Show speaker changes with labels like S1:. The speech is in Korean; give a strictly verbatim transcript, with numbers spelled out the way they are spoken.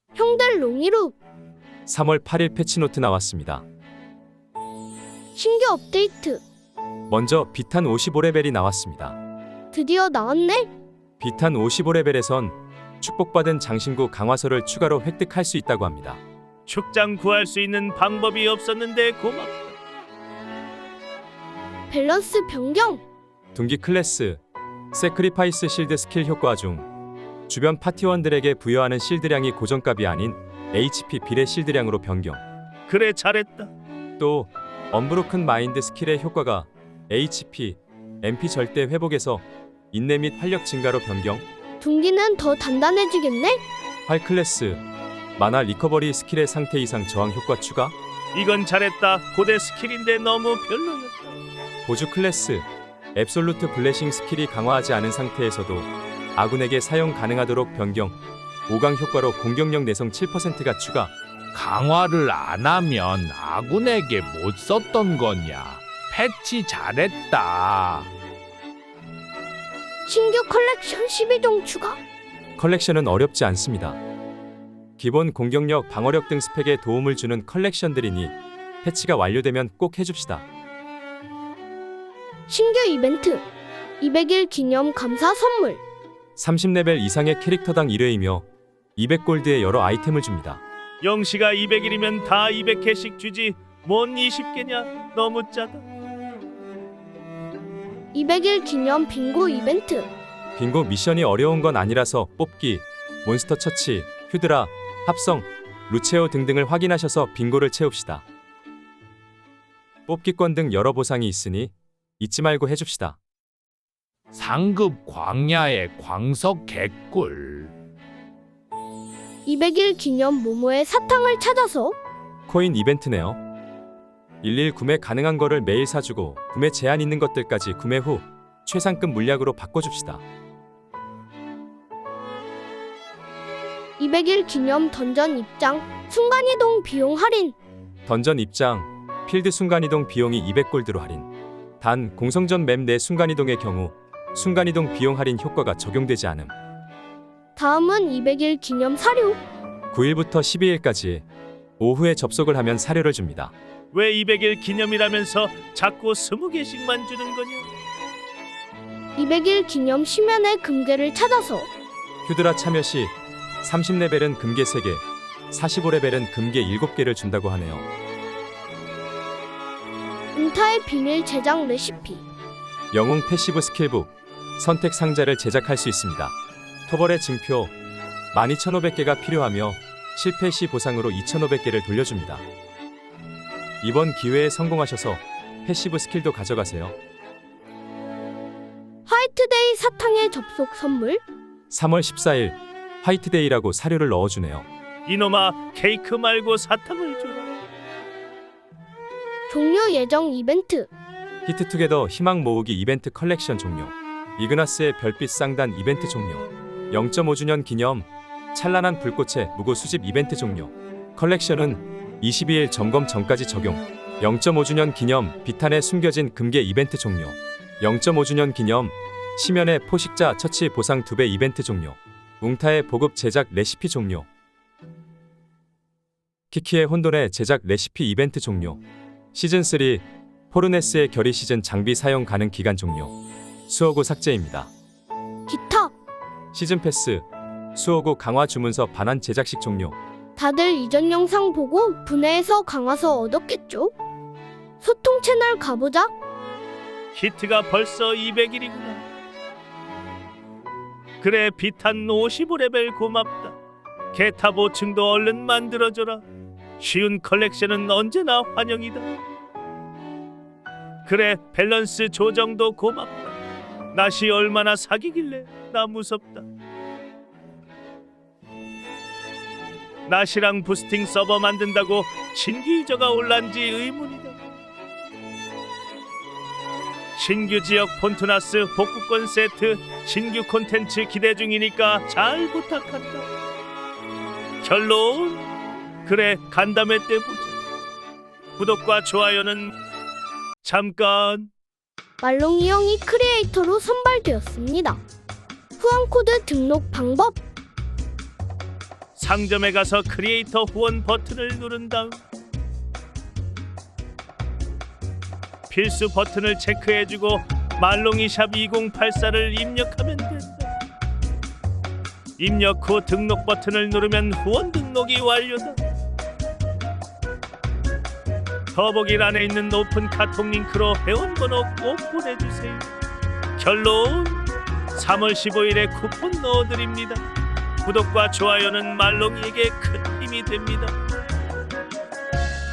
S1: 형들 롱이루
S2: 삼월 팔일 패치노트 나왔습니다.
S1: 신규 업데이트
S2: 먼저 비탄 오십오 레벨이 나왔습니다.
S1: 드디어 나왔네.
S2: 비탄 오십오 레벨에선 축복받은 장신구 강화서를 추가로 획득할 수 있다고 합니다.
S3: 축장 구할 수 있는 방법이 없었는데 고맙다.
S1: 밸런스 변경
S2: 둔기 클래스 세크리파이스 실드 스킬 효과 중 주변 파티원들에게 부여하는 실드량이 고정값이 아닌 에이치피 비례 실드량으로 변경.
S3: 그래 잘했다.
S2: 또 언브로큰 마인드 스킬의 효과가 에이치피, 엠피 절대 회복에서 인내 및 활력 증가로 변경.
S1: 둔기는 더 단단해지겠네.
S2: 활 클래스 마나 리커버리 스킬의 상태 이상 저항 효과 추가.
S3: 이건 잘했다. 고대 스킬인데 너무 별로였다.
S2: 보조 클래스 앱솔루트 블레싱 스킬이 강화하지 않은 상태에서도 아군에게 사용 가능하도록 변경. 오강 효과로 공격력 내성 칠 퍼센트가 추가.
S4: 강화를 안 하면 아군에게 못 썼던 거냐. 패치 잘했다.
S1: 신규 컬렉션 십이 종 추가.
S2: 컬렉션은 어렵지 않습니다. 기본 공격력, 방어력 등 스펙에 도움을 주는 컬렉션들이니 패치가 완료되면 꼭 해줍시다.
S1: 신규 이벤트 이백 일 기념 감사 선물.
S2: 삼십 레벨 이상의 캐릭터당 일 회이며 이백 골드의 여러 아이템을 줍니다.
S3: 영시가 이백 일이면 다 이백 개씩 주지. 뭔 이십 개냐? 너무 짜다.
S1: 이백 일 기념 빙고 이벤트.
S2: 빙고 미션이 어려운 건 아니라서 뽑기, 몬스터 처치, 휴드라, 합성, 루체오 등등을 확인하셔서 빙고를 채웁시다. 뽑기권 등 여러 보상이 있으니 잊지 말고 해줍시다.
S4: 상급 광야의 광석 개꿀.
S1: 이백 일 기념 모모의 사탕을 찾아서.
S2: 코인 이벤트네요. 일일 구매 가능한 거를 매일 사주고 구매 제한 있는 것들까지 구매 후 최상급 물약으로 바꿔줍시다.
S1: 이백 일 기념 던전 입장 순간이동 비용 할인.
S2: 던전 입장, 필드 순간이동 비용이 이백 골드로 할인. 단 공성전 맵 내 순간이동의 경우 순간이동 비용 할인 효과가 적용되지 않음.
S1: 다음은 이백 일 기념 사료.
S2: 구일부터 십이일까지 오후에 접속을 하면 사료를 줍니다.
S3: 왜 이백 일 기념이라면서 자꾸 스무 개씩만 주는 거냐?
S1: 이백 일 기념 심연의 금괴를 찾아서.
S2: 휴드라 참여 시 삼십 레벨은 금괴 세 개, 사십오 레벨은 금괴 일곱 개를 준다고 하네요.
S1: 은타의 비밀 제작 레시피.
S2: 영웅 패시브 스킬북 선택 상자를 제작할 수 있습니다. 토벌의 증표 만 이천오백 개가 필요하며 실패 시 보상으로 이천오백 개를 돌려줍니다. 이번 기회에 성공하셔서 패시브 스킬도 가져가세요.
S1: 화이트데이 사탕의 접속 선물.
S2: 삼월 십사일 화이트데이라고 사료를 넣어주네요.
S3: 이놈아, 케이크 말고 사탕을 줘라.
S1: 종료 예정 이벤트.
S2: 히트투게더 희망 모으기 이벤트 컬렉션 종료. 이그나스의 별빛 쌍단 이벤트 종료. 영 점 오 주년 기념 찬란한 불꽃의 무고 수집 이벤트 종료. 컬렉션은 이십이일 점검 전까지 적용. 영 점 오 주년 기념 비탄에 숨겨진 금괴 이벤트 종료. 영 점 오 주년 기념 심연의 포식자 처치 보상 두 배 이벤트 종료. 웅타의 보급 제작 레시피 종료. 키키의 혼돈의 제작 레시피 이벤트 종료. 시즌삼 포르네스의 결의 시즌 장비 사용 가능 기간 종료. 수호구 삭제입니다.
S1: 기타.
S2: 시즌 패스 수호구 강화 주문서 반환 제작식 종료.
S1: 다들 이전 영상 보고 분해해서 강화서 얻었겠죠? 소통 채널 가보자.
S3: 히트가 벌써 이백 일이구나. 그래, 비탄 오십오 레벨 고맙다. 개타 보충도 얼른 만들어줘라. 쉬운 컬렉션은 언제나 환영이다. 그래, 밸런스 조정도 고맙다. 낫이 얼마나 사기길래 나 무섭다. 낫이랑 부스팅 서버 만든다고 신규 유저가 올란지 의문이다. 신규 지역 폰투나스 복구권 세트 신규 콘텐츠 기대 중이니까 잘 부탁한다. 결론? 그래, 간담회 때 보자. 구독과 좋아요는 잠깐.
S1: 말롱이 형이 크리에이터로 선발되었습니다. 후원코드 등록 방법.
S3: 상점에 가서 크리에이터 후원 버튼을 누른 다음 필수 버튼을 체크해주고 말롱이샵 이공팔사를 입력하면 된다. 입력 후 등록 버튼을 누르면 후원 등록이 완료다. 더보기란에 있는 오픈 카톡 링크로 회원번호 꼭 보내주세요. 결론 삼월 십오일에 쿠폰 넣어드립니다. 구독과 좋아요는 말롱이에게 큰 힘이 됩니다.